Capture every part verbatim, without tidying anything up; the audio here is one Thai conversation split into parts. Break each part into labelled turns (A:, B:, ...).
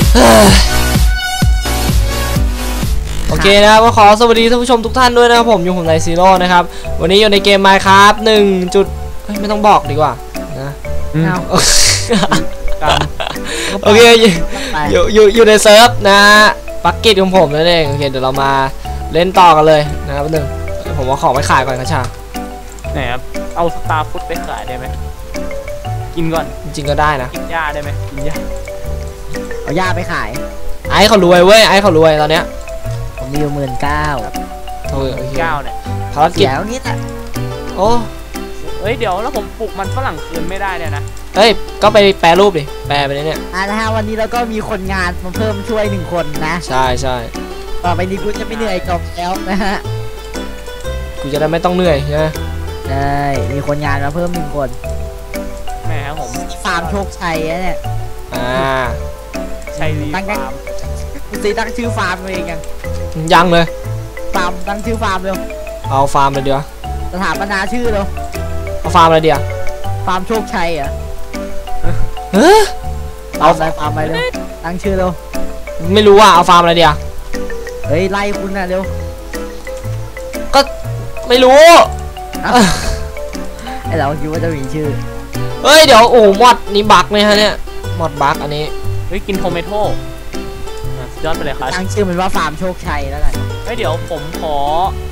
A: โอเคนะครับก็ขอสวัสดีท่านผู้ชมทุกท่านด้วยนะครับผมอยู่ผมไนซีโร่นะครับวันนี้อยู่ในเกม Minecraft หนึ่งจุดไม่ต้องบอกดีกว่านะโอเคอยู่อยู่อยู่ในเซิร์ฟนะปักเก็ตของผมนั่นเองโอเคเดี๋ยวเรามาเล่นต่อกันเลยนะครับหนึ่งผมว่าของไปขายก่อนครับชา
B: ไหนครับเอาสตาร์ฟุตไปขายได้ไหมกินก่อน
A: จริงๆก็ได้นะ
B: กินหญ้าได้ไหมกินหญ้า
C: เอาหญ้าไปขาย
A: ไอ้เขารวยเว้ยไอ้เขารวยตอนเนี้ย
C: ผมมีอยู่หมื่นเก้า
A: โอ้ย
B: เก้าเนี่ย
A: ภารกิจ
C: แล้วนี่แหละ
A: โอ้
B: เฮ้ยเดี๋ยวแล้วผมปลูกมันฝรั่งคืนไม่ได้เนี่ยนะ
A: เฮ้ยก็ไปแปรรูปดิแปรไปเนี่ย
C: อ่านะฮะวันนี้เราก็มีคนงานมาเพิ่มช่วยหนึ่งคนนะ
A: ใช่ใช่
C: ต่อไปนี้กูจะไม่เหนื่อยกับแล้วนะฮะ
A: กูจะได้ไม่ต้องเหนื่อยใช่ไหม
C: ใช่มีคนงานมาเพิ่มหนึ่งคน
B: แม่ครับผม
C: ฟาร์มโชคชัยเนี่ย
A: อ่า
B: ชัยรีฟาร์ม
C: กูซีตั้งชื่อฟาร์มเองยัง
A: ยังเลย
C: ฟาร์มตั้งชื่อฟาร์มเร็ว
A: เอาฟาร์มเลยเดียว
C: สถาปนาชื่อเร็ว
A: เอาฟาร์มอะไรเดียว
C: ฟาร์มโชคชัยเหรอ
A: เฮ้ย
C: เอาอะไรฟาร์มอะไรเร็วตั้งชื่อเร็ว
A: ไม่รู้ว่าเอาฟาร์มอะไรเดียว
C: เฮ้ยไล่คุณนะเร็ว
A: ก็ไม่รู้
C: ไอเราคิดว่าจะมีชื่อ
A: เฮ้ยเดี๋ยวโอ้มอดนี่บักไหมฮะเนี่ยมอดบักอันนี้
B: เฮ้ยกินโทเมโต้ยอดไปเลยครับ
C: ตั้งชื่อมันว่าฟาร์มโชคชัยแล้วกัน
B: เฮ้ยเดี๋ยวผมขอ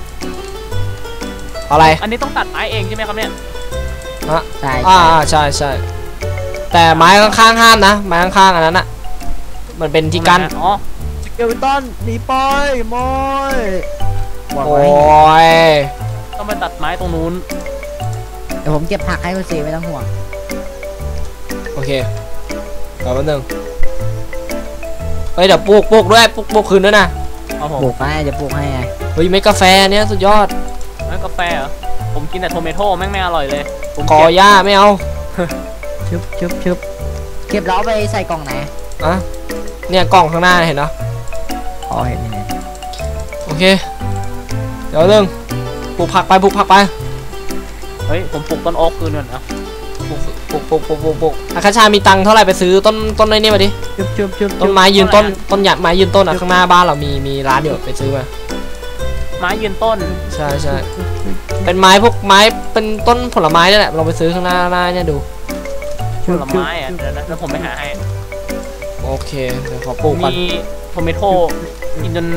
A: อะไร
B: อันนี้ต้องตัดไม้เองใช่ไหมครับเนี่ย
A: ฮะใช่อ่าใช่ใช่แต่ไม้ข้างๆห้ามนะไม้ข้างๆอันนั้นอ่ะมันเป็นที่กั้น
B: อ๋อ
C: สเกลตันหนีไปมอย
A: โอ้ย
B: ต้องไปตัดไม้ตรงนู้น
C: เดี๋ยวผมเก็บผักให้คุณซีไม่ต้องห่วง
A: โอเครอแป๊บนึงเฮ้ยเดี๋ยวปลูกปลูกด้วยปลูกปลูกคืนด้วยนะ
C: ปลูกให้จะปลูกให้ไง
A: เฮ้ยไม่กาแฟเนี้ยสุดยอด
B: ไม่กาแฟเหรอผมกินแต่โทเมโต้แม่งไม่อร่อยเลย
A: ผมกอหญ้าไม่เอา
C: ชึบชึบชึบเก็บแล้วไปใส่กล่องไหน
A: อ่ะเนี่ยกล่องข้างหน้าเห็นเนาะ
C: อ๋อเห็นเห็น
A: โอเคเดี๋ยวเรื่องปลูกผักไปปลูกผักไป
B: เฮ้ยผมปลูกต้นโอ๊กคืนก่อนนะ
A: ปลูกปลูกปลูกปลูกปลูกปลูกอาคาชามีตังค์เท่าไหร่ไปซื้อต้นต้นไอ้นี่มาดิ
C: ชึบชึบชึบ
A: ต้นไม้ยืนต้นต้นหยัดไม้ยืนต้นอ่ะข้างหน้าบ้านเรามีมีร้านอยู่ไปซื้อมา
B: ไม้ยืนต้น
A: ใช่ใช่เป็นไม้พวกไม้เป็นต้นผลไม้นี่แหละเราไปซื้อข้างหน้าหน้าเนี่ยดู
B: ผลไม้อ่ะเดี๋ยวนะแล้วผมไปหาให้
A: โอเคเดี๋ยวขอปลูกก่อน
B: มีโทเมโต้กินจน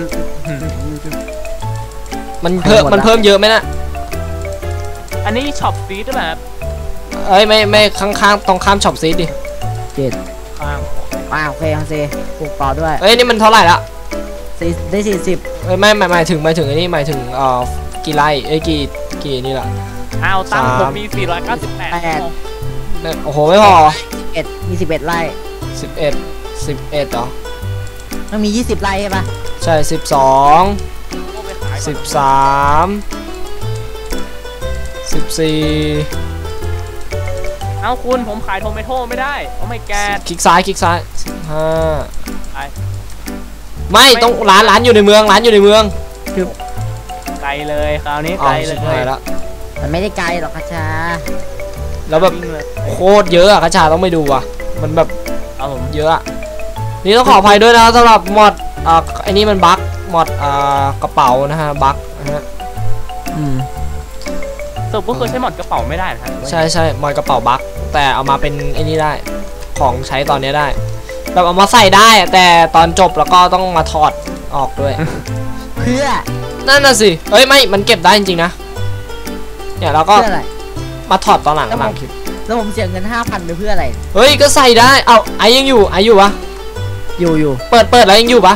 A: มันเพิ่มมันเพิ่มเยอะไหมนะ
B: อันนี้ช็อปซีดหรือเปล่า
A: เอ้ยไม่ไม่ข้างๆตรงข้ามช็อปซีดดิ
C: เจ็ด
B: ข้าง
C: ว้าวโอเคครับซีปลูกต่อด้วย
A: เอ้ยนี่มันเท่าไหร่ละ
C: สี่ได้สี่สิบ
A: เอ้ยไม่หมายหมายถึงหมายถึงไอ้นี่หมายถึงเอ่อกี่ไร่เอ้ยกี่กี่นี่แหละ
B: อ้าวตั้งผมมีสี่ร้อยเก้าสิบแปด
A: โอ้โหไม่พอ
C: สิบเอ็ดมีสิบเอ็ดไร่
A: สิบเอ็ดสิบเอ็ดเหรอ
C: มันมียี่สิบไร่ใช่ปะ
A: ใช่สิบสองสิบสามสิบสี่
B: เอาคุณผมขายโทเมโต้ไม่ได้เอาไม่แก
A: คลิกซ้ายคลิกซ้ายสิบห้าไม่ต้องร้านร้านอยู่ในเมืองร้านอยู่ในเมือง
C: คือ
B: ไกลเลยคราวนี้ไกลเลย
A: แล้ว
C: มันไม่ได้ไกลหรอกคาชา
A: แล้วแบบโคตรเยอะอะคาชาต้องไปดูอ่ะมันแบบ
B: เอาผม
A: เยอะอะนี่ต้องขออภัยด้วยนะสำหรับมอดอ่าไอ้นี่มันบั๊กมอดอ่ากระเป๋านะฮะบั๊กนะฮะ
C: อืม
B: สรุปก็คือใช้มอดกระเป๋าไม่ได้นะ
A: ใช่ใช่มอดกระเป๋าบั๊กแต่เอามาเป็นไอ้นี่ได้ของใช้ตอนนี้ได้แบบเอามาใส่ได้แต่ตอนจบแล้วก็ต้องมาถอดออกด้วย
C: เพื่อ
A: นั่นน่ะสิเอ้ยไม่มันเก็บได้จริงๆนะเนี่ยเราก็มาถอดตอนหลังหลังคลิป
C: แล้วผมเสียเงินห้าพันไปเพื่ออะไร
A: เฮ้ยก็ใส่ได้เอาไอยังอยู่ไออยู่ปะ
C: อยู่อยู่
A: เปิดเปิดแล้วยังอยู่ปะ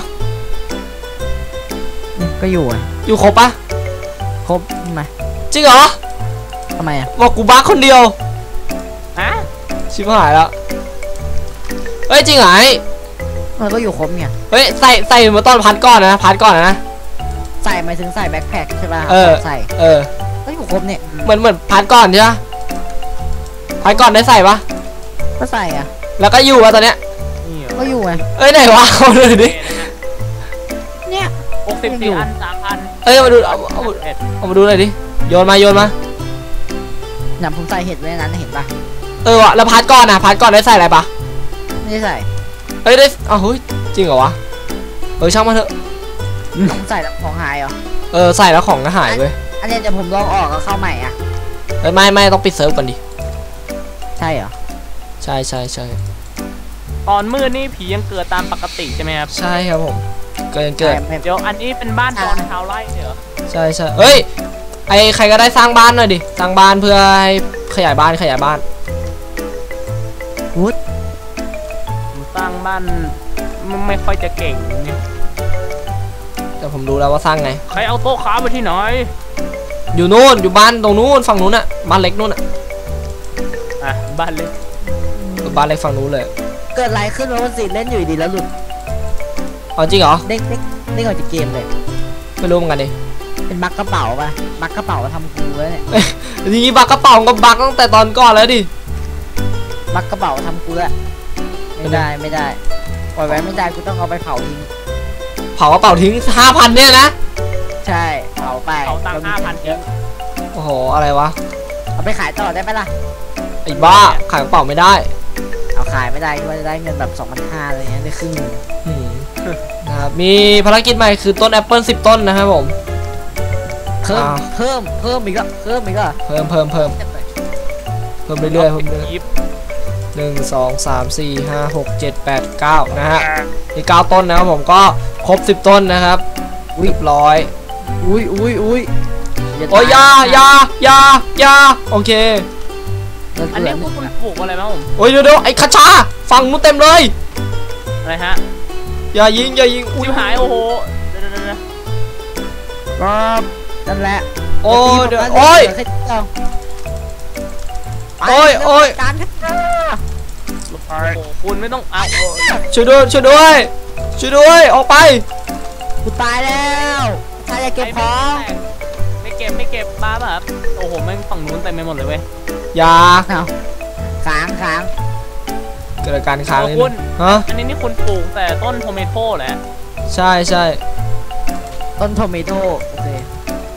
C: ก็อยู่อ่ะ
A: อยู่ครบปะ
C: ครบไหม
A: จริงเหรอ
C: ทำไมอ่ะ
A: บอกกูบ้าคนเดียว
B: ฮะ
A: ชิบหายแล้วเฮ้ยจริงเหรอไอ
C: มันก็อยู่ครบเนี่ย
A: เฮ้ยใส่ใส่มาตอนพัดก่อนนะพัดก่อนนะ
C: ใส่หมายถึงใส่แบ็คแพ็คใช่ป่ะ
A: เออ
C: ใส่
A: เออ
C: ก็อยู่ครบเนี่ย
A: เหมือนเหมือนพัดก่อนใช่ปะพัดก่อนได้ใส่ปะ
C: ก็ใส่อ่ะ
A: แล้วก็อยู่วะตอนเนี้ย
C: ก็อยู่ไง
A: เอ้ยไหนวะเอาเลยดิ
C: เนี่ย
B: หกสิบสี่อันสามพัน
A: เอ้ยมาดูเอาเอาเอามาดูหน่อยดิโยนมาโยนมา
C: หนำผมใส่เห็ดไว้ในนั้นเห็นปะ
A: เออวะแล้วพัดก่อนนะพัดก่อนได้ใส่อะไรปะ
C: ไม่ได้ใส่
A: เอ้ยได้เอาเฮ้ยจริงเหรอวะเออช่างมันเถอะ
C: ต้องใส่แล้วของหายเหรอ
A: เออใส่แล้วของก็หายเว้ย
C: อันนี้เดี๋ยวผมลองออกแล้วเข้าใหม่อ่ะ
A: เอ้ยไม่ไม่ต้องปิดเซิร์ฟก่อนดิ
C: ใช่เหรอ
A: ใช่ใช่ใช่
B: ตอนมืดนี่ผียังเกิดตามปกติใช่ไหมครับ
A: ใช่ครับผมเกินเกิน
C: ไม่
B: เดี๋ยวอันนี้เป็นบ้านตอนเช้าไร่เหรอ
A: ใช่ใช่เอ้ยไอใครก็ได้สร้างบ้านหน่อยดิสร้างบ้านเพื่อให้ขยายบ้านขยายบ้าน
C: วุ้ด
B: ผมสร้างบ้านไม่ไม่ค่อยจะเก่งเนี่ย
A: แต่ผมรู้แล้วว่าสร้างไง
B: ใครเอาโต๊ะค้าไปที่ไหน
A: อยู่นู่นอยู่บ้านตรงนู้นฝั่งนู้นอะบ้านเล็กนู้นอะ
B: อ่ะบ้านเล็ก
A: บ้านเล็กฝั่งนู้นเลย
C: เกิดอะไรขึ้นวะวันสิเล่นอยู่ดีแล้วหลุด
A: อ๋อจริงเหรอ
C: เด้งเด้งเด้งออกจากเกมเลย
A: ไม่รู้เหมือนกันดิ
C: เป็นบักกระเป๋าป่ะบักกระเป๋าทำกูแล้วเนี่ย
A: ทีนี้บักกระเป๋าก็บักตั้งแต่ตอนก่อนแล้วดิ
C: บักกระเป๋าทำกูแล้วไม่ได้ไม่ได้ปล่อยไว้ไม่ได้กูต้องเอาไปเผาทิ้ง
A: เผากระเป๋าทิ้งห้าพันเนี่ยนะ
C: ใช่เผาไป
B: เอาตังค์ห้าพันเยอะ
A: โอ้โหอะไรวะ
C: เอาไปขายต่อได้ไหมล่ะ
A: ไอ้บ้าขายกระเป๋าไม่ได้
C: เอาขายไม่ได้ก็จะได้เงินแบบสองพันห้าอะไรเงี้ยได้ครึ่งหนึ่ง
A: อืมนะครับมีภารกิจใหม่คือต้นแอปเปิลสิบต้นนะครับผม
C: เพิ่ม
A: อ้าว
C: เพิ่มเพิ่มอีกก็เพิ่มอีกก็
A: เพิ่มเพิ่มเพิ่มเพิ่มเรื่อยๆเพิ่มเรื่อย
B: ยิบ
A: หนึ่งสองสามสี่ห้าหกเจ็ดแปดเก้านะฮะมีเก้าต้นนะครับผมก็ครบสิบต้นนะครับเรียบร้อย
C: อุ้ยอุ้ยอุ้ย
A: โอ้ยยายายายาโอเค
B: อันนี้พวกคุณปลูกอะไรบ้างผม
A: โอ้ยเดี๋ยวเดี๋ยวไอ้คาชาฟังนู้นเต็มเลย
B: อะไรฮะ
A: อย่ายิงอย่ายิงอุ้ย
B: ชิบหายโอ้โหเดี๋ยวเดี๋ยวเดี๋ยว
C: ก็นั่นแหละ
A: โอ้ยเดี๋ยว
C: ตี
A: โอ้ย
C: ผมนะเดี๋ว
A: โอ้ยโอ้ย
C: การคัดเจอ
B: โอ้โหคุณไม่ต้องเอาโอ้ย
A: ช่วยด้วยช่วยด้วยช่วยด้วยออกไป
C: กูตายแล้วใครจะเก็บของ
B: ไม่เก็บไม่เก็บบ้าป่ะครับโอ้โหแม่งฝั่งนู้นเต็มไปหมดเลยเว้ย
A: อย่า
C: เอาค้างค้าง
A: เกิดอาการค้าง
B: โอ้
A: นิด
B: คุ
A: นึ
B: ณ
A: งฮะ
B: อันนี้นี่คุณปลูกแต่ต้นโทเมโต้แหละ
A: ใช่ใช่
C: ต้นโทมิโต้โอเค
A: โอ้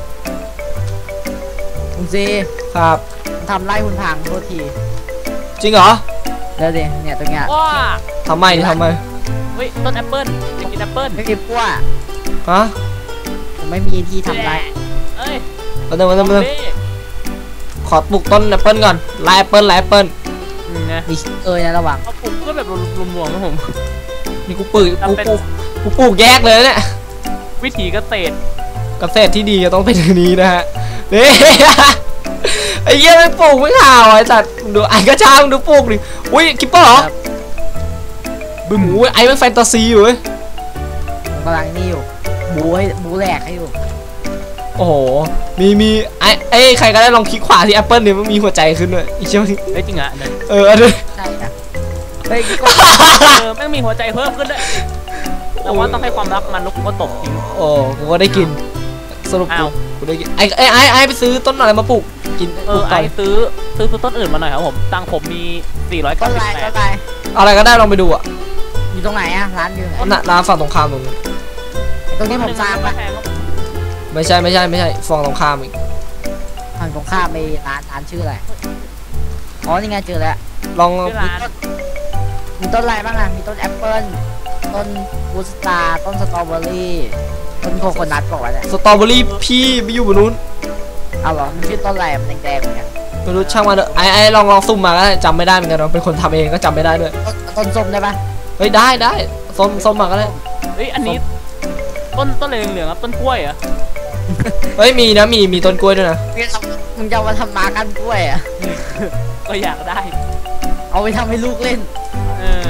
C: คุณซี
A: ครับ
C: ทำไร่คุณพังโทษที
A: จริงเหรอ
C: เดี๋ยวดิเนี่ยตรงเนี้ย
B: ว้า
A: ทำไมดิทำไม
B: เฮ้ยต้นแอปเปิ้ลจะกินแอปเปิ้ล
C: ไม่มีปั้ว
A: ฮะ
C: ผมไม่มีที่ทำไร
B: เอ้ย
A: มาเดินมาเดินมาเดิน
B: ซอมบี้
A: ขอปลูกต้นแอปเปิลก่อนไลายแอปเปิลไลายแอปเปิล
B: อืมนะ
C: มีเอ้ยนะระวัง
B: เอาปลูกเพื่อแบบรวมๆนะผม
A: นี่กูปลูกกู
B: ทำเป็น
A: ปลูกกูปลูกแยกเลยเนี่ย
B: วิถีเกษตร
A: เกษตรที่ดีก็ต้องเป็นอย่างนี้นะฮะนี่ ไอ้เหี้ยมันปลูกไม่ข่าวไอ้สัตว์ดูไอ้กระชากดูปลูกดิอุ้ยคิปเปอร์เหรอบึ้มอุ้ยไอ้มันแฟนตาซีอยู่เว้ย
C: ผมกำลังนี่อยู่บูให้บูแหลกให้อยู่
A: โอ้โหมีมีไอ้ไอ้ใครก็ได้ลองคลิกขวาที่แอปเปิลเนี่ยมันมีหัวใจขึ้นด้วยอีเชี่ยว
B: เฮ้ยจริงอ่ะเนี่ย
A: เอออันนี้
C: ใช่อะเฮ้ยก็
B: เออแม่งมีหัวใจเพิ่มขึ้นด้วยแต่ว่าต้องให้ความรักมันแล้วกูก็ตบทิ้ง
A: โอ้กูก็ได้กินสรุปกู
B: อ้าว
A: กูได้กินไอ้ไอ้ไอ้ไอ้ไปซื้อต้นอะไรมาปลูกกิน
B: เอ
A: ปลู
B: อก
A: ต่
B: ไอ
A: อย
B: ซื้อซื้อซื้อต้นอื่นมาหน่อยครับผมตังค์ผมมีสี่ร้อย
C: ต้
B: เก้าน สิบ
C: ไร
B: แป
C: ต้
B: ด
C: นไร
A: อะไรก็ได้ลองไปดูอ่ะ
C: อยู่ตรงไหนอะร้านอยู่ไหน
A: น่ะร้านฝั่งตรงข้ามตรงนั้น
C: ตรงนี้ผมสร้างปะ
B: แพงครับ
A: ไม่ใช่ไม่ใช่ไม่ใช่ฝั่งตรงข้ามอีก
C: ทางตรงข้ามมีร้านร้านชื่ออะไรอ๋อนี่ไงเจอแล้ว
A: ลอง
B: ชื่อร้าน
C: มีต้นอะไรบ้างอะมีต้นแอปเปิ้ลต้นบูสตาร์ต้นสตรอเบอรี่ต้นโคโคนัทบอกว่าเนี่ย
A: สตรอเบอรี่พี่ไปอยู่บนนู้น
C: เอาเหรอมันชื่อต้นอะไรมันแดงๆเหมือนกัน
A: ไม่รู้ช่างมันเถอะไอ้ไอ้ลองลองซุ่มมาก็ได้จำไม่ได้เหมือนกันเราเป็นคนทำเองก็จำไม่ได้ด้วย
C: ต้นต้นส้มได้ปะ
A: เฮ้ยได้ได้ส้มส้มมาก็ได้
B: เฮ้ยอันนี้ต้นต้นเหลืองๆครับต้นกล้วยเหรอ
A: เฮ้ยมีนะมีมีต้นกล้วยด้วยนะ
C: มึงจะเอามาทำมากันกล้วยอะ
B: ก็อยากได้
C: เอาไปทำให้ลูกเล่น
B: เออ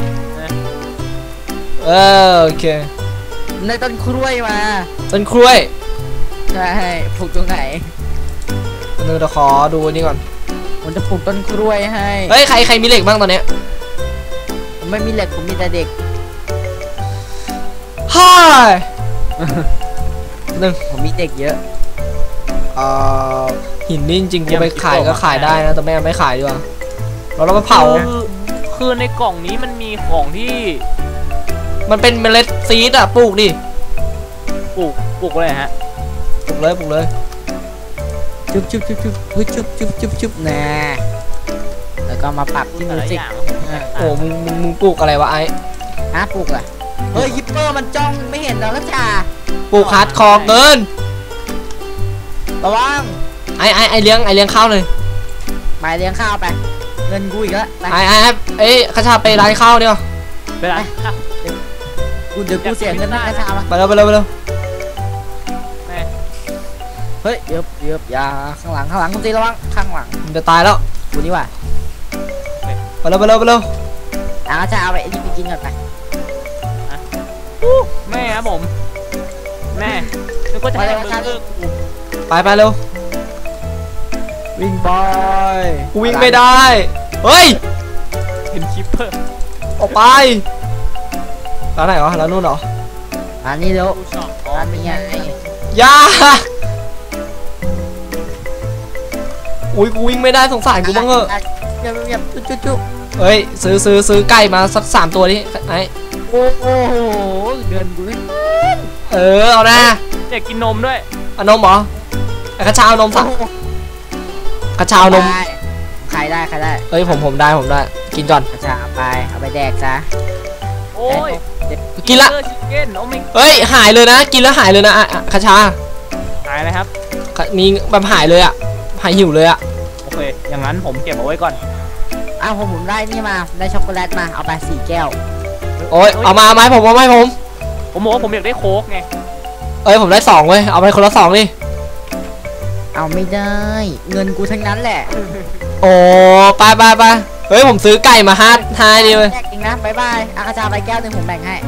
A: เออโอเค
C: ในต้นกล้วยมา
A: ต้นกล้วย
C: ใช่ปลูกตรงไหน
A: นึงเดี๋ยวขอดูอันนี่ก่อน
C: ผมจะปลูกต้นกล้วยให้
A: เฮ้ยใครใครมีเหล็กบ้างตอนเนี้ย
C: ผมไม่มีเหล็กผมมีแต่เด็ก
A: ฮ่ายหนึ่ง
C: ผมมีเด็กเยอะ
A: เอ่อหินนี่จริงๆกูไปขายก็ขายได้นะแต่แม่ไม่ขายดีกว่าเราเราไปเผา
B: คือคือในกล่องนี้มันมีของที่
A: มันเป็นเมล็ดซีดอะปลูกดิ
B: ปลูกปลูกอะไรฮะ
A: ปลูกเลยปลูกเลย
C: จุ๊บจุ๊บจุ๊บจุ๊บจุ๊บจุ๊บจุ๊บจุ๊บจุ๊บนะแล้วก็มาปรับที่
B: แต่
C: มิว
B: ละ
C: สิ
B: อก ย่าง
A: โอ้มึงมึงมึงปลูกอะไรวะไอ้
C: ฮะปลูกเหรอเฮ้ยฮิปเปอร์มันจ้องไม่เห็นแล้วก็จ่า
A: ปลูกฮาร์ดคอร์เกิน
C: ระวัง
A: ไอไอไอเลี้ยงไอเลี้ยงข้าวเลย
C: ไปเลี้ยงข้าวไปเงินกูอีกแล้วไป
A: ไอไอไอเอ้ยข้าชาไปร้านข้าวเดียว
B: เวลา
C: กูเดี๋ยวกูเสียเงินได้ข้าวละ
A: ไปเร็วไปเร็วไปเร็ว
B: แม่
C: เฮ้ยเดี๋ยวเดี๋ยวอย่าข้างหลังข้างหลังคุณตีระวังข้างหลัง
A: มันจะตายแล้ว
C: กูนี่ว่ะ
A: ไปเร็วไปเร็วไปเร็ว
C: อ่ะก็จะเอาไปไอ้นี่ไปกินก่อนไป
B: แม่ครับผมแม่นึกว่าจะให้เบอร์เกอร์กู
A: ไปไปเร็ว
C: วิ่งบอย
A: กูวิ่งไม่ได้เฮ้ย
B: เห็นคิปเปอร์
A: ออกไปร้านไหนวะร้านนู้นเหรอ
C: อันนี้เดี๋ยว
B: กูชอบ
C: อันนี้ไง
A: อยาอุ้ยกูวิ่งไม่ได้สงสารกูบ้างเหอะ
C: เงียบเงียบจุ๊จุ๊จุ๊
A: เฮ้ยซื้อซื้อซื้อไก่มาสักสามตัวดิไอ
C: โอ้โหเงินกูเลย
A: เออเอานะ
B: อยากกินนมด้วย
A: เอานมเหรอไอ้ข้าชาเอานมสักข้าชาเอานม
C: ได้ใครได้ใครได้
A: เอ้ยผมผมได้ผมได้กินก่อน
C: จะเอาไปเอาไปแดกจ้ะ
B: โอ้ย
A: กินละ
B: ชิคเก้นโอ้ไม่
A: เฮ้ยหายเลยนะกินแล้วหายเลยนะอ่ะอ่ะข้าชา
B: หายเลยครับ
A: มีแบบหายเลยอ่ะหายหิวเลยอ่ะ
B: โอเคอย่างนั้นผมเก็บเอาไว้ก่อน
C: อ้าวผมผมได้นี่มาได้ช็อกโกแลตมาเอาไปสี่แก้ว
A: โอ้ยเอามาไหมผมเอาไหมผม
B: ผมบอกว่าผมอยากได้โค้กไง
A: เอ้ยผมได้สองเว้ยเอาไปคนละสองดิ
C: เอาไม่ได้เงินกูทั้งนั้นแหละ
A: โอ้ไปไปไปเฮ้ยผมซื้อไก่มาห้าห้าดิเว้ย
C: แดกจริงนะบายบายอากาศาไปแก้วหนึ่งผมแบ่งให้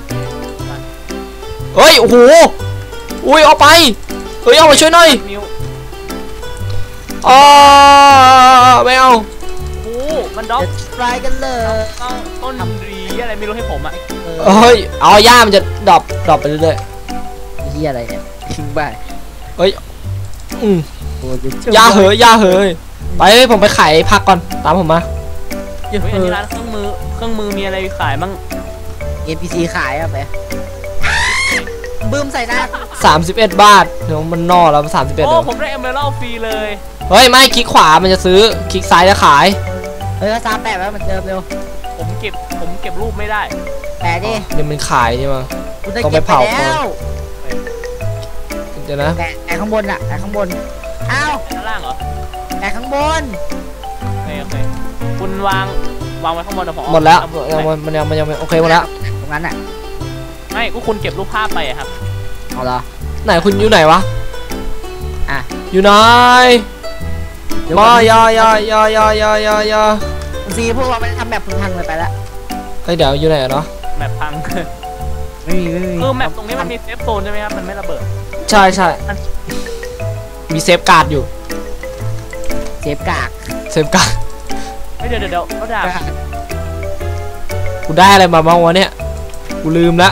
A: เฮ้ยโอ้โหอุ้ยเอาไปเฮ้ยเอามาช่วยหน่อย
B: นิ้ว
A: อ๋อไม่เอา
B: โอ้มันด็อก
C: เดี๋ยวทรายกันเลย
B: เอาต้นรีอะไรไม่รู้ให้ผมอ่ะ
C: เออ
A: เฮ้ยเอาย่ามันจะดรอปดรอปไปเรื่อย
C: เฮียอะไรเนี่ยทิ้งไป
A: ๆเฮ้ยอืม
C: โอ้ย
A: ย่าเหยย่าเหยไปเฮ้ยผมไปขายผักก่อนตามผมมา
C: เฮ้ย
B: เฮ้ยอันนี้ร้านเครื่องมือเครื่องมือมีอะไรขายบ้าง
C: เอ็นพีซีขายอะไปบึ้มใส่หน้า
A: สามสิบเอ็ดบาทเดี๋ยวมันนอแล้วสามสิบเอ็ด
B: โอ้
A: เดี๋ยว
B: ผมได้เอเมอรัลฟรีเลย
A: เฮ้ยไม่คลิกขวามันจะซื้อคลิกซ้ายจะขาย
C: เออซาแปะไว้เหมือนเดิมเร็ว
B: ผมเก็บผมเก็บรูปไม่ได้
C: แปะดิ
A: เนี่ยมันขายใช่ไหม
C: กูจะ
A: ต้องไป
C: เก็บไป
A: เผา
C: แล้ว
A: เดี๋ยวนะ
C: แปะแปะข้างบนอะแปะข้างบนอ้าว
B: ด้านล่างเหรอ
C: แปะข้างบน
B: โอเคโอเคคุณวางวางไว้ข้างบนนะผม
A: หมดแล้ว
B: เอา
A: ยังมันมันยังมันยังไม่โอเคหมดแล้ว
C: ตรงนั้นอะ
B: ไม่ก็คุณเก็บรูปภาพไปอะครับ
C: เอาเหรอ
A: ไหนคุณอยู่ไหนวะ
C: อ่ะ
A: อยู่ไหน
C: เดี๋ยว
A: มา
C: ก่อน
A: ยายายายายายายา
C: ซีพวกเราไม่ได้ทำแบบพึงพังเลยไปแล้ว
A: เฮ้ยเดี๋ยวอยู่ไหนอะเนาะ
B: แมปพัง
C: ไม่มีไม่มี
B: คือแมปตรงนี้มันมีเซฟโซนใช่ไหมครับมันไม่ระเบิด
A: ใช่ใช่มีเซฟการ์ดอยู่
C: เซฟกาก
A: เซฟการ์ด
B: ไม่เดี๋ยวเดี๋ยวเดี๋ยวเขาด่า
A: กูได้อะไรมาบ้างวะเนี่ยกูลืมละ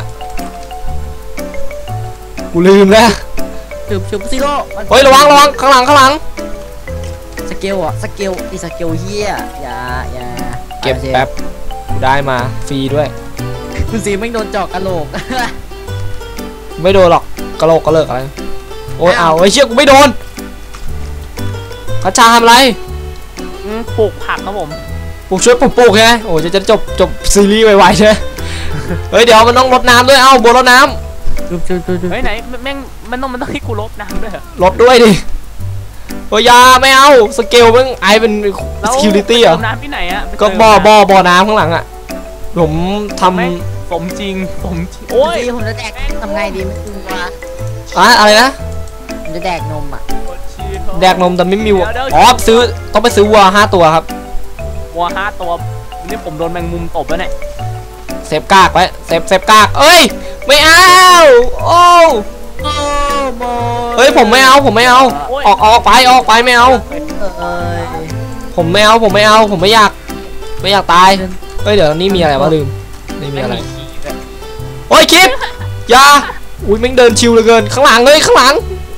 A: กูลืมแล้ว
C: ชุบชุบซีโร่
A: เฮ้ยระวังระวังข้างหลังข้างหลัง
C: สเกลอ่ะสเกลอีสเกลเฮียอย่าอย่า
A: เก็บแป๊บกูได้มาฟรีด้วย
C: คุณซีไม่โดนเจาะกระโหลก
A: ไม่โดนหรอกกระโหลกกระเลิกอะไรโอ้ยเอาไอ้เชี่ยกูไม่โดนกระชาทำอะไร
B: อืมปลูกผักครับผม
A: ปลูกช่วยปลูกปลูกใช่ไหมโอ้ยจะจะจบจบซีรีส์ไวๆใช่ไหมเฮ้ยเดี๋ยวมันต้องรดน้ำด้วยเอ้าบัวรดน้
C: ชุบชุบชุบชุบ
B: เฮ้ยไหนแม่งมันต้องมันต้องให้กูลบน้ำด้วยเหรอ
A: ำรดด้วยดิโอ้ยอยาไม่เอาสเกลมึงไอเป็น
B: แล้ว
A: security เหรอ
B: เติมน้ำที่ไหนอะไป
A: ก็
B: เติม
A: บ่อ
B: น้ำ
A: บ่อบ่อน้ำข้างหลังอ่ะผมท
B: ไม่ สมจริงสมจริงโอ้ย
C: ซีผมจะแดกทำไงดีไม่รู้ว่า
A: ำอะอะไรนะ
C: ผมจะแดกนมอ่ะ
A: แดกนมแต่ไม่มีวัวอ๋อซื้อต้องไปซื้อวัวห้าตัวครับ
B: วัวห้าตัวนี่ผมโดนแมงมุมตบแล้วเนี่ย
A: เซฟกากไว้เซฟเซฟกากเอ้ยไม่เอาโอ้
C: โอ้โม
A: เฮ้ยผมไม่เอาผมไม่เอาออกออกไปออกไปไม่เอา
C: เอ้ย
A: ผมไม่เอาผมไม่เอาผมไม่อยากไม่อยากตายเฮ้ยเดี๋ยวนี่มีอะไรวะลืมนี่มีอะไร
B: ไม่มีขี้ด้วย
A: โอ้ยคลิปอย่าอุ้ยแม่งเดินชิวเหลือเกินข้างหลังเลยข้างหลัง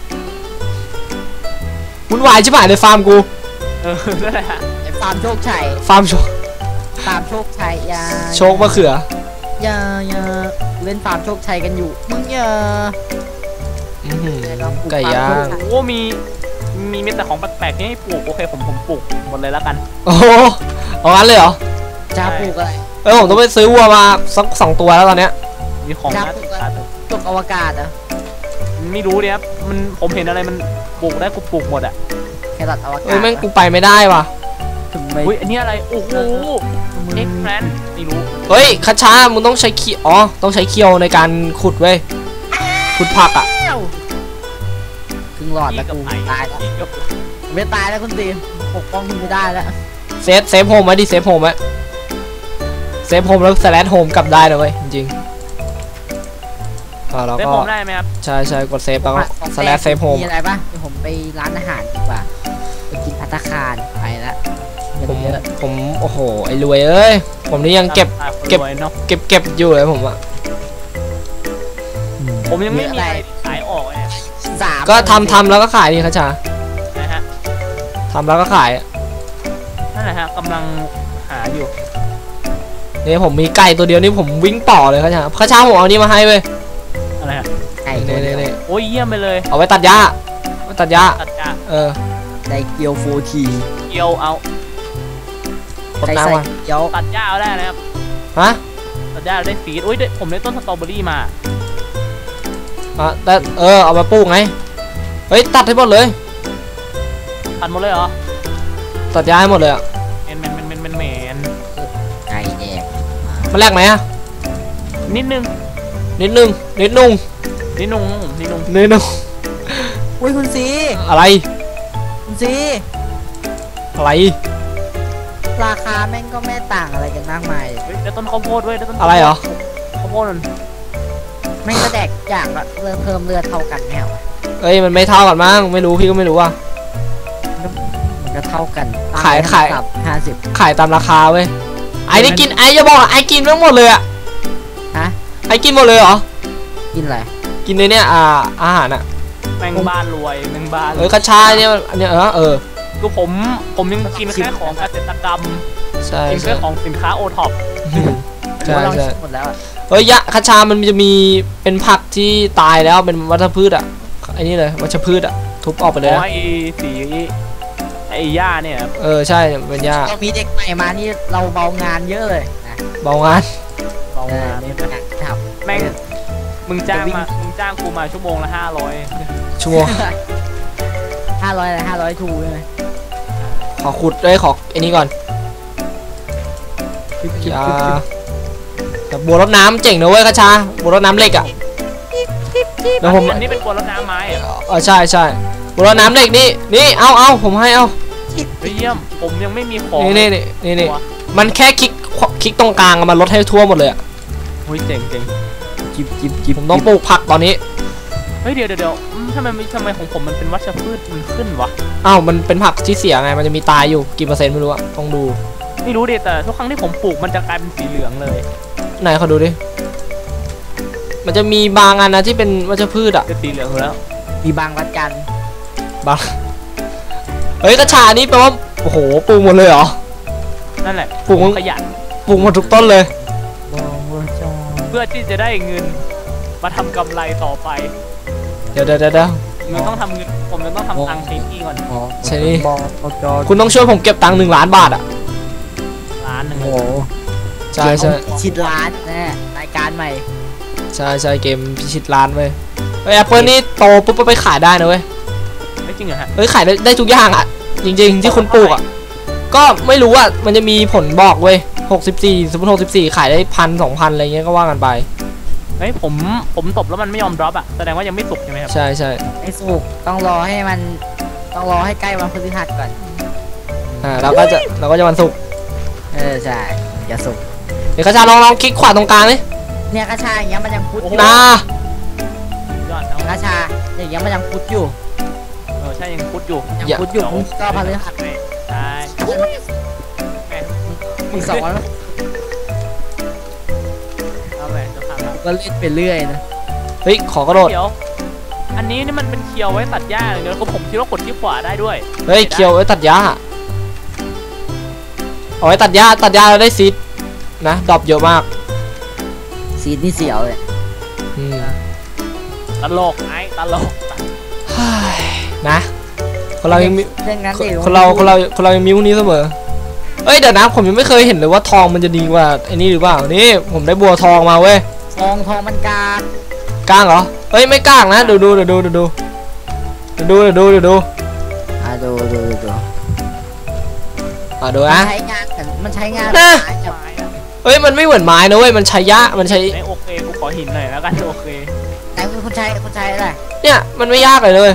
A: วุ่นวายชิบหายเลยฟาร์มกู
B: เออนั่นแหละ
C: ไอ้ฟาร์มโชคชัย
A: ฟาร์มโชค
C: ฟาร์มโชคชัยอยา
A: โชคมะเขือ
C: อย่าอย่าเล่นฟาร์มโชคชัยกันอยู่มึงอย่า
A: อื้อหือไก่ย่าง
B: โอ้มีมีมีแต่ของแปลกๆที่ให้ปลูกโอเคผมผมปลูกหมดเลยแล้วกัน
A: โอ้โหเอางั้นเลยเหรอ
C: จะปลูกอะไร
A: ผเออผมต้องไปซื้อวัวมาสักสองตัวแล้วตอนเนี้ย
B: มีของน่าติดตา
C: ตกอวกาศอ่ะ
B: ไม่รู้เนี่ยครับมันผมเห็นอะไรมันปลูกได้กูปลูกหมดอ่ะ
C: แครอทอวกาศ
A: เอ้ยแม่งกูไปไม่ได้ว่ะ
C: ถึงไม่
B: อุ้ยอันนี้อะไรโอ้โหเอ็กแพลนไม่รู้
A: เฮ้ยคาชามึงต้องใช้เคียวอ๋อต้องใช้เคียวในการขุดเว้ยขุดผักอ่ะ
C: ครึ่งหลอดแล้วกูตายแล้วไม่ตายแล้วคุณตีปกป้องคุณไม่ได้แล้ว
A: เซฟเซฟโฮมไว้ดิเซฟโฮมไว้เซฟโฮมแล้วสแลชโฮมกลับได้นะเว้ยจริงๆอ่าเรา
B: ได้
A: ก็
B: ผมได้ไหมครับ
A: ใช่ใช่กดเซฟแล้วก็สแลชเซฟโฮม
C: มีอะไรปะเดี๋ยวผมไปร้านอาหารดีกว่าไปกินภัตตาคารไปละ
A: ผม
C: เยอะ
A: ผมโอ้โหไอ้รวยเอ้ยผมนี่ยังเก็บ เก็บ
B: รวยเนาะ
A: เก็บเก็บอยู่เลยผมอะ
B: ผมยังไม่มีอะไรขายออกเลย
C: สาม
A: ก็ทำทำแล้วก็ขายดิคาชา
B: นะฮะ
A: ทำแล้วก็ขายอะ
B: นั่นแหละฮะกำลังหาอยู่
A: นี่ผมมีไก่ตัวเดียวนี่ผมวิ่งต่อเลยคาชาคาชาผมเอานี่มาให้เว้ย
B: อะไรฮะ
C: ไก่
A: นี่
C: ตัวเดี
A: นี่
C: ยว
A: นี่
B: โอ้ยเยี่ยมไปเลย
A: เอาไว้ตัดหญ้าไว้ตัดหญ้า
B: ตัดหญ้า
A: เออ
C: ไก่เกียวฟูที
B: เกี่ยวเอา
A: กด
C: ไก่
A: น้ำ
C: ใส่
A: มา
C: เกียว
B: ตัดหญ้าเอาได้นะครับ
A: ฮะ
B: ตัดหญ้าได้ฟีดอุ้ยได้ผมได้ต้นสตรอเบอรี่มา
A: อ่ะแต่เออเอามาปลูกไงเฮ้ยตัดให้หมดเลย
B: ตัดหมดเลยเหรอ
A: ตัดหญ้าให้หมดเลยอะ
B: เมนเมนเมนเมนเมนเมน
C: ไก่แดง
A: มันแลกไหมอะ
B: นิดนึง
A: นิดนึงนิดนุ่ง
B: นิดนุ่งนิดนุ่ง
A: นิดนุ่ง
C: อุ้ยคุณซี
A: อะไร
C: คุณซี
A: อะไร
C: ราคาแม่งก็ไม่ต่างอะไรกันมากมาย
B: เฮ้ยได้ต้นข้าวโพดด้วยได้ต้น
A: อะไรเหรอ
B: ข้าวโพดนั่น
C: แม่งก็แดกอย่างละเริ่มเพิ่มเลือดเท่ากันแน่วะ
A: เอ้ยมันไม่เท่ากันมั้งไม่รู้พี่ก็ไม่รู้อ่ะ
C: มันก็เท่ากัน
A: ขายขาย
C: ห้าสิบ
A: ขายตามราคาเว้ยไอ้นี่กินไอ้จะบอกไอ้กินทั้งหมดเลยอ่ะ
C: ฮะ
A: ไอ้กินหมดเลยเหรอ
C: กินอะไร
A: กินในเนี่ยอ่าอาหารอ่ะ
B: แมงบ้านรวยแมงบ้าน
A: เออกระชายเนี่ยอันเนี้ยเออเออ
B: คือผมผมยังกินแค่ของเกษตรกรรม
A: ใช่
B: กิน
A: ใช่
B: แค่ของสินค้าโอท็อป
A: ใช่
C: ว่าเรา
A: ใช่
C: ชิมหมดแล้วอะ
A: เฮ้ยยะกระชามันจะมีเป็นผักที่ตายแล้วเป็นวัชพืชอ่ะไอ้นี่เลยวัชพืชอ่ะทุบออกไปเลย
B: อ๋อ
A: นะ
B: ไอ้สีไอ้หญ้าเนี่ยครับ
A: เออใช่เป็นหญ้า
C: เรามีเด็กใหม่มานี่เราเบางานเยอะเลยนะ
A: เบางาน
B: ลอง
C: เออ
B: มา
C: มีปัญหาทำ
B: แม่งมึงจ้างมามึงจ้างกูมาชั่วโมงละห้าร้อย
A: ชั่วโมง
C: ห้าร้อยอะไรห้าร้อยทูใช่ไหม
A: ขอขุดเลยขอไอ้นี่ก่อนยาแต่บัวรดน้ำเจ๋งนะเว้ยกระชาบัวรดน้ำเหล็กอ่ะเดี๋ยวผม
B: อันนี้เป็นกวนรดน้ำไม้เหรอ
A: เออใช่ใช่บัวรดน้ำเหล็กนี่นี่เอาเอาผมให้เอา
B: เฮ้ยเยี่ยมผมยังไม่มีของ
A: นี่นี่นี่นี่นี่มันแค่คลิกคลิกตรงกลางอะมันลดให้ทั่วหมดเลยอะ
B: เฮ้ยเจ๋งเจ๋ง
C: จิบจิบจิบ
A: ผมต้องปลูกผักตอนนี้
B: เฮ้ยเดี๋ยวเดี๋ยวเดี๋ยวอืมทำไมทำไมของผมมันเป็นวัชพืชมันขึ้นวะ
A: อ้าวมันเป็นผักที่เสียไงมันจะมีตายอยู่กี่เปอร์เซ็นต์ไม่รู้อะต้องดู
B: ไม่รู้ดิแต่ทุกครั้งที่ผมปลูกมันจะกลายเป็นสีเหลืองเลย
A: ไหนเขาดูดิมันจะมีบางอันนะที่เป็นวัชพืชอะ
B: จะสีเหลืองอยู่แล้ว
C: มีบางวัดกัน
A: บางเฮ้ยกระชานี่แปลว่าโอ้โหปลูกหมดเลยเหรอ
B: นั่นแหละ
A: ปลูก
B: ขยัน
A: ปลูกหมดทุกต้นเลย
B: เพื่อที่จะได้เงินมาทำกำไรต่อไป
A: เดี๋ยวเดี๋ยวเดี๋ยวเดี๋ยว
B: มันต้องทำเงินผมจะต้องทำตังค์ใช้หนี้ก่อน
A: ใช่นี่
C: บอกเขาจอ
A: คุณต้องช่วยผมเก็บตังค์หนึ่งล้านบาทอะ
B: ล้านหนึ่ง
C: โอ้โห
A: ใช่ใช่
C: ชิดร้านแน่รายการใหม่
A: ใช่ใช่เกมพิชิตล้านเว้ยเฮ้ยแอปเปิลนี่โตปุ๊บก็ไปขายได้นะเว้ย
B: ไม่จริงเหรอฮะ
A: เฮ้ยขายได้ได้ทุกอย่างอะจริงๆที่คุณปลูกอะก็ไม่รู้อะมันจะมีผลบอกเว้ยหกสิบสี่สมมติหกสิบสี่ขายได้พันสองพันอะไรเงี้ยก็ว่ากันไป
B: เฮ้ยผมผมตบแล้วมันไม่ยอมดรอปอะแสดงว่ายังไม่สุกใช่ไหมครับ
A: ใช่ใช่
C: ไอ้สุกต้องรอให้มันต้องรอให้ใกล้วันพฤหัสก่อน
A: อ่าเราก็จะเราก็จะวันศุกร์
C: เออใช่อย่าสุก
A: เดี๋ยวกระชาลองลองคลิกขวาตรงกลางนี่
C: เนี่ยกระชาอย่างเงี้ยมันยังพุดอยู่
A: นะ
B: ยอดเอา
C: กระชาอย่างเงี้ยมันยังพุดอยู่
B: เออใช่ยังพุดอยู่
C: ยังพุดอยู่มึงก็พฤหัส
B: ใช่
C: มึงสองวัน
B: เอาแหวนจะทำแล้ว
C: ก็เล่นไปเรื่อยนะ
A: เฮ้ยขอกระโดด
B: เดี๋ยวอันนี้นี่มันเป็นเคียวไว้ตัดหญ้าอย่างเดียวก็ผมคิดว่ากดที่ขวาได้ด้วย
A: เฮ้ยเคียวไว้ตัดหญ้าเอาไว้ตัดหญ้าตัดหญ้าแล้วได้ซีดนะดรอปเยอะมาก
C: ซีดนี่เสียวเลย
A: อืม
B: ตลกไอ้ตลก
A: เฮ้ยนะคนเรายังมี
C: เรื่องนั้นดิ
A: คนเราคนเราคนเรายังมีพวกนี้เสมอเอ้ยเดี๋ยวนะผมยังไม่เคยเห็นเลยว่าทองมันจะดีกว่าไอ้นี่หรือเปล่านี่ผมได้บัวทองมาเว้ย
C: ทองทองมันกาก
A: ก้างเหรอเอ้ยไม่ก้างนะดูดูดูดูดูดูดูดูดูดูดู
C: อ่ะดูดูดูดู
A: อ่ะดู
C: มัน
A: นะ
C: ใช้งานเหมือนมันใช้งาน
A: นะ
C: ไม้กับ
B: ไม้อะ
A: เฮ้ยมันไม่เหมือนไม้นะเว้ยมันใช้ยะมันใช้
B: ไม่โอเคกูขอหินหน่อยแล้วกันโอเค
C: แต่คุณใช้คุณใช้อะไร
A: เนี่ยมันไม่ยากเลยเลย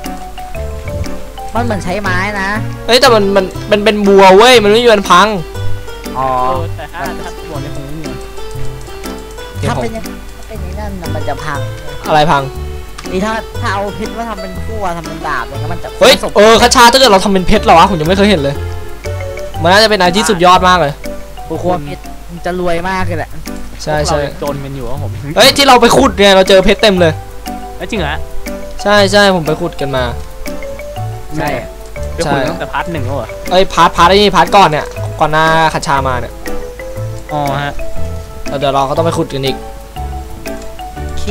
C: มันเหมือนใช้ไม้นะ
A: เฮ้ยแต่มันมันมันเป็นบัวเว้ยมันไม่มีวันพัง
C: อ๋อ
B: เออแต่ถ้าถ้าตัวในคงไม่มี
A: เดี๋ยว
C: ถ้า
A: ผม
C: เป็นอย่างถ้าเป็นอย่างนั้นน่ะมันจะพัง
A: อะไรพัง
C: นี่ถ้าถ้าเอาเพชรมาทำเป็นขั้วทำเป็นดาบอย่างเงี้ยมันจะ
A: เฮ้ย
C: ผสม
A: เออคาชาถ้าเกิดเราทำเป็นเพชรเหรอวะผมยังไม่เคยเห็นเลย มันน่าจะเป็นอะไรที่สุดยอดมากเลย
C: ขั้วเพชรมันจะรวยมากเลยแหละ
A: ใช่
B: พวก
A: ใช่
B: เรายังจนกันอยู่ครับผม
A: เฮ้ยที่เราไปขุดเนี่ยเราเจอเพชรเต็มเลย
B: เอ้ยจริงเหรอ
A: ใช่ใช่ผมไปขุดกันมา
C: ใช่
B: ไปคุยตั้งแต่พาร์ทหนึ่งแล้วเหรอ
A: เอ้ยพาร์ทพาร์ทไอ้นี่พาร์ทก่อนเนี่ยก่อนหน้าคาชามาเนี่ย
B: อ๋อฮะ
A: แล้วเดี๋ยวเราก็ต้องไปขุดกันอีก
C: โอเค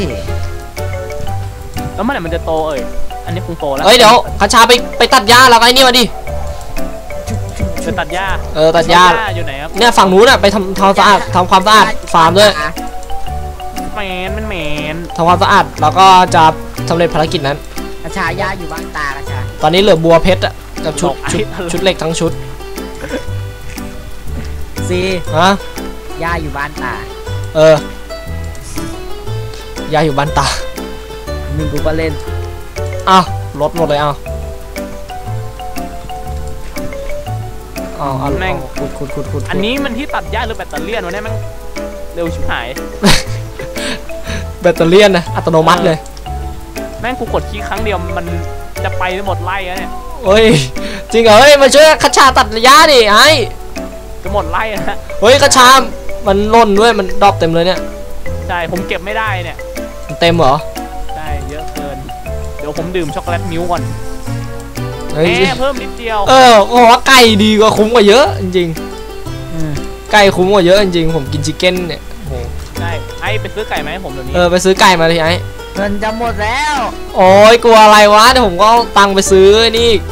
B: แล้วเมื่อไหร่มันจะโตเอ่ยอันนี้คงโตแล้ว
A: เอ้ยเดี๋ยวคาชาไปไปตัดหญ้าแล้วก็ไอ้นี่มาดิ
B: จะตัดหญ้า
A: เออตัดหญ้า
B: อยู่ไหนครับ
A: เนี่ยฝั่งนู้นอ่ะไปทำทำสะอาดทำความสะอาดฟาร์มด้วย
B: แมนมันแมน
A: ทำความสะอาดแล้วก็จะสำเร็จภารกิจนั้น
C: กระชายาอยู่บ้านตากระชา
A: ตอนนี้เหลือบัวเพชรอ่ะกับชุดชุดชุดเหล็กทั้งชุด
C: ซี
A: ฮะ
C: ยาอยู่บ้านตา
A: เออยายอยู่บ้านตา
C: หนึ่งกูก็เล่น
A: อ้าวลดหมดเลยอ้าวอ้าวเอาขุดขุดขุดขุด
B: อันนี้มันที่ตัดหญ้าหรือแบตเตอรี่วะเนี่ยมันเร็วชิบหาย
A: แบตเตอรี่นะอัตโนมัติเลย
B: แม่งกูกดคีย์ครั้งเดียวมันจะไปหมดไร่แล้วเนี่ย
A: เฮ้ยจริงเหรอเฮ้ยมาช่วยคาชาตัดระยะดิไอ้
B: จะหมดไร่แล้วฮะ
A: เฮ้ยคาชามันล่นด้วยมันดรอปเต็มเลยเนี่ย
B: ใช่ผมเก็บไม่ได้เนี่ย
A: มันเต็มเหรอ
B: ใช่เยอะเกินเดี๋ยวผมดื่มช็อกโกแลตมิ้วก่อน
A: เฮ้ย
B: แหมเพิ่มนิดเดียว
A: เออโอ้โหไก่ดีกว่าคุ้มกว่าเยอะจริง
C: อืม
A: ๆไก่คุ้มกว่าเยอะจริงๆผมกินชิคเก้นเนี่ยโอ้โห
B: ใช่ไอ้ไปซื้อไก่ไหมาให้ผมเดี๋ยวนี้
A: เออไปซื้อไก่มาเลยไอ้
C: เงินจะหมดแล้ว
A: โอ้ยกลัวอะไรวะเดี๋ยวผมก็เอาตังค์ไปซื้อนี่อีก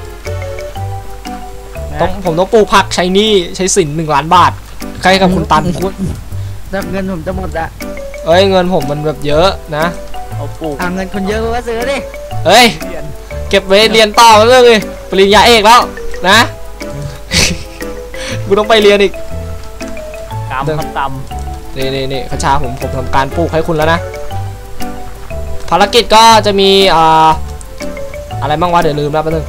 B: นะ
A: ต้องผมต้องปลูกผักใช้หนี่ใช้สินหนึ่งล้านบาทใครกับคุณตัน
C: คุณแต่เงินผมจะหมดละ
A: เอ้ยเงินผมมันแบบเยอะนะ
B: เอาปลูก
C: เอาเงินคุณเยอะก็ซื้อดิ
A: เฮ้ย
B: เรียน
A: เก็บไว้เรียนต่อมาเรื่องเลยปริญญาเอกแล้วนะ กูต้องไปเรียนอีก
B: กำครับต
A: นี่นี่นี่ขชาผมผมทำการปลูกให้คุณแล้วนะภารกิจก็จะมีอ่าอะไรบ้างวะเดี๋ยวลืมแล้วแป๊บนึง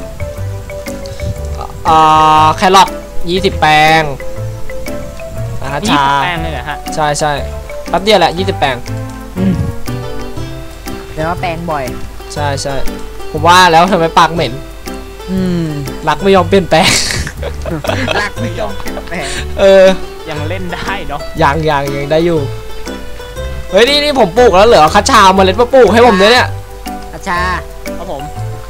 A: อ่าแครอทยี่สิบแปลงนะฮะ
B: ำยี่
A: ชา
B: สิบแป้งเลยเหรอฮะ
A: ใช่ใช่แป๊บเดียวแหละยี่สิบแปลง
C: อืมเดี๋ยวว่าแปลงบ่อย
A: ใช่ใช่ผมว่าแล้วทำไมปากเหม็น
C: อืม
A: รักไม่ยอมเปลี่ยนแปลง
C: รักไม่ยอมแปลง
A: เออ
B: ยังเล่นได้เนาะ
A: ยังยังยังได้อยู่เฮ้ยนี่นี่ผมปลูกแล้วเหลือคัชชาเอาเมล็ดมาปลูกให้ผมด้วยเนี่ย
C: อาชา
B: ครับผม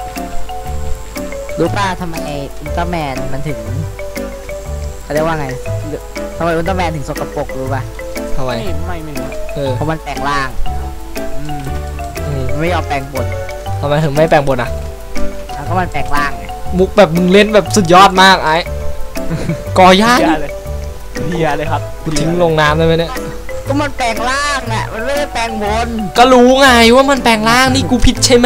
C: รู้ป่ะทำไมอุลตร้าแมนมันถึงเขาเรียกว่าไงทำไมอุลตร้าแมนถึงสกปรกรู้ป่ะ
A: ทำไม
B: ไม่ไม่ไม่รู้
A: เออ
C: เพราะมันแปลงร่าง
B: อืม
A: อืม
C: มันไม่ยอมแปลงบน
A: ทำไมถึงไม่แปลงบนอ่ะ
C: แล้วก็มันแปลงร่างไง
A: มุกแบบมึงเล่นแบบสุดยอดมากไอ้ กอย่า
B: เบี
A: ดิ
B: ยร์เลยเบียร์เลยครับ
A: กูทิ้งลงน้ำได้ไหมเนี่ย
C: ก็มันแปลงร่างน่ะมันไม่ได้แปลงบน
A: ก็รู้ไงว่ามันแปลงร่างนี่กูผิดใช่ไหม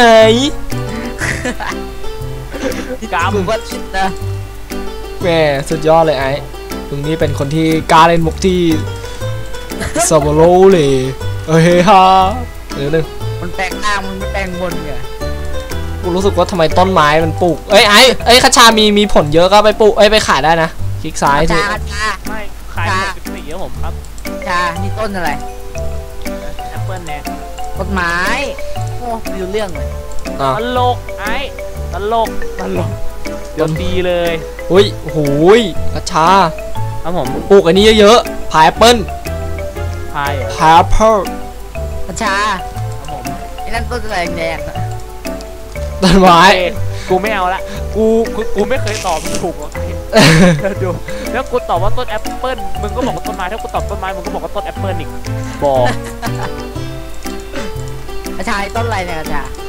B: กำ
C: กูก็คิดนะ
A: แหมสุดยอดเลยไอ้มึงนี่เป็นคนที่กล้าเล่นมุกที่สบโลเลยเฮ้ยฮะเดี๋ยวนึง
C: มันแปลงร่างมันไม่แปลงบนไง
A: กูรู้สึกว่าทำไมต้นไม้มันปลูกเอ้ยไอ้เอ้ยคาชามีมีผลเยอะก็ไปปลูกเอ้ยไปขายได้นะคลิกซ้าย
C: อา
A: ที
C: ชาอาชา
B: ไม่ขายหกสิบสี่ครับผมครับ
C: อาชานี่ต้นอะไร
B: แอปเปิลเนี่ย
C: ต้นไม้โอ้ไม่รู้เรื่องเลย
A: อ่ะ
B: ตลกไอ้ตลกตลกเดี๋ยวดีเลย
A: อุ้ยโอ้โหยคาชา
B: ครับผม
A: ปลูกอันนี้เยอะๆพายแอปเปิ้ล
B: พายเหรอ
A: พายแอปเปิ้ล
C: อาชา
B: ครับผม
C: ไอ้นั่นต้นอะไรแดงๆน่ะ
A: ต้นไม้
B: โอเคกูไม่เอาละกูกูกูไม่เคยตอบมันถูกหรอกเดี๋ยวดูแล้วกูตอบว่าต้นแอปเปิลมึงก็บอกว่าต้นไม้ถ้ากูตอบต้นไม้มึงก็บอกว่าต้นแอปเปิลอีกบอก
C: อาชาไอ้ต้นอะไรเนี่ยอาชา